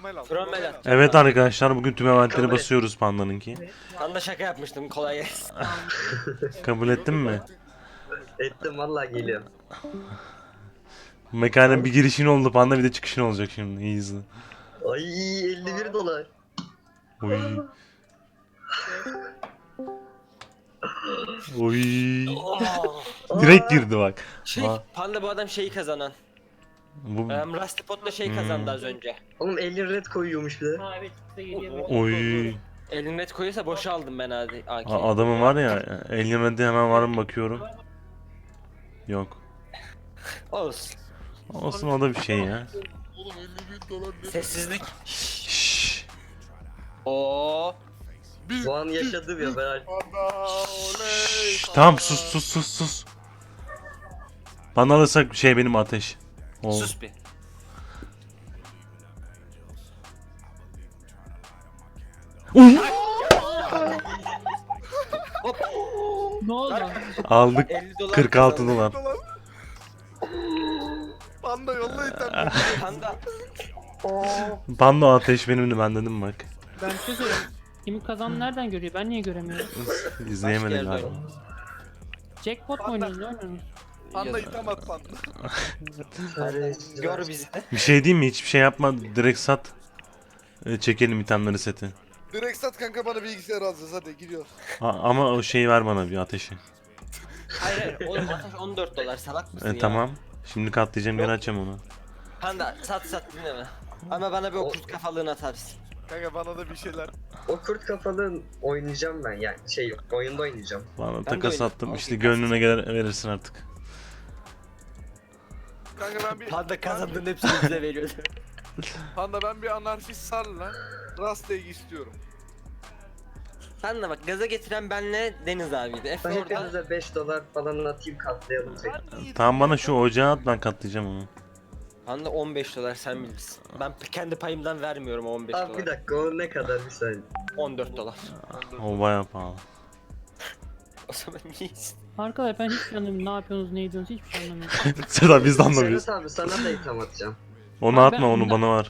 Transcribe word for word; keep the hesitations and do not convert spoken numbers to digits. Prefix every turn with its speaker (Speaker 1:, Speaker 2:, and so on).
Speaker 1: Promel al.
Speaker 2: Promel al.
Speaker 3: Evet arkadaşlar bugün tüm eventleri
Speaker 4: Kabul et.
Speaker 3: basıyoruz Panda'nınki.
Speaker 2: Ben de şaka yapmıştım, kolay gelsin.
Speaker 3: Kabul ettin mi?
Speaker 4: Ettim vallahi geliyorum.
Speaker 3: Mekana bir girişin oldu Panda, bir de çıkışın olacak şimdi. İyi izle.
Speaker 4: Ay elli bir dolar.
Speaker 3: Oy. Oy.
Speaker 2: Oh.
Speaker 3: Direkt girdi bak.
Speaker 2: Şey,
Speaker 3: Aa.
Speaker 2: Panda bu adam şeyi kazanan.
Speaker 3: Bu
Speaker 2: Um, Rusty Pot'la şey kazandı az önce.
Speaker 4: Oğlum elli red koyuyormuş bir de.
Speaker 5: Ha evet size geliyor.
Speaker 3: oy.
Speaker 2: Elin net koyuyorsa boşa aldım ben hadi A K'yi.
Speaker 3: A- Adamın var ya, ellemedi hemen var mı bakıyorum. Yok.
Speaker 2: Olsun.
Speaker 3: Olsun, o da bir şey ya.
Speaker 1: Oğlum elli bin dolar ne?
Speaker 2: Sessizlik.
Speaker 3: Şşş.
Speaker 2: Oo.
Speaker 1: Bir,
Speaker 4: Bu an yaşadım ya ben.
Speaker 1: Panda oley.
Speaker 3: Şşş, tamam sus sus sus sus. Bana alırsak şey benim ateş. O.
Speaker 2: Sus bir.
Speaker 3: Uy!
Speaker 2: Hop.
Speaker 5: Ne oldu?
Speaker 3: Aldık
Speaker 2: elli dolar
Speaker 3: kırk altı
Speaker 2: kazandım.
Speaker 3: dolar.
Speaker 1: Dolar. Panda yolla internet.
Speaker 2: Panda.
Speaker 3: Panda o ateş benimdi, ben dedim bak.
Speaker 5: Ben bir şey söyleyeyim. Kimin kazandı nereden görüyor? Ben niye göremiyorum?
Speaker 3: İzleyemedim
Speaker 2: Başka yerde
Speaker 3: galiba.
Speaker 5: Jackpot mu oynuyoruz? Ne oynuyoruz?
Speaker 1: Panda item at panda.
Speaker 2: Gör bizi de.
Speaker 3: Bir şey diyeyim mi? Hiçbir şey yapma. Direkt sat. Ee, Çekelim itemleri seti.
Speaker 1: Direkt sat kanka, bana bilgisayar alacağız, hadi gidiyoruz.
Speaker 3: A- ama o şeyi ver bana, bir ateşi.
Speaker 2: Hayır hayır. Oğlum ateş on dört dolar, salak mısın
Speaker 3: E,
Speaker 2: ya?
Speaker 3: tamam. Şimdi katlayacağım, geri açacağım onu.
Speaker 2: Panda sat sat dinleme. Ama bana bir o kurt kafalığını atarsın.
Speaker 1: Kanka bana da bir şeyler.
Speaker 4: O kurt kafalı oynayacağım ben yani şey oyunda oynayacağım.
Speaker 3: Bana
Speaker 2: de
Speaker 3: takas
Speaker 2: öyle.
Speaker 3: attım.
Speaker 2: Al,
Speaker 3: İşte
Speaker 2: bir
Speaker 3: gönlüne gelir verirsin artık.
Speaker 1: Kanka ben bir...
Speaker 2: Panda kazandığın hepsini bize veriyordu.
Speaker 1: Panda ben bir anarşist sarla. Rasta'yı istiyorum.
Speaker 2: Panda bak, gaza getiren benle Deniz abiydi. Efe
Speaker 4: Ben
Speaker 2: orada.
Speaker 4: hepinize beş dolar falan atayım katlayalım tek.
Speaker 3: Tamam, bana şu ocağı at, ben katlayacağım onu.
Speaker 2: Panda on beş dolar, sen bilirsin. Ben p- kendi payımdan vermiyorum on beş
Speaker 4: Abi bir
Speaker 2: dolar.
Speaker 4: dakika o ne kadar bir saniye.
Speaker 2: on dört dolar.
Speaker 3: O bayağı pahalı.
Speaker 2: O zaman iyisin.
Speaker 5: Arkadaşlar ben hiç anlamıyorum. Ne yapıyorsunuz, ne ediyorsunuz hiçbir şey anlamıyorum.
Speaker 3: Seda biz de anlamıyoruz.
Speaker 4: Serhat abi sana da item atacağım.
Speaker 3: Onu
Speaker 5: Abi ben
Speaker 3: atma, onu
Speaker 5: ondan-
Speaker 3: bana var.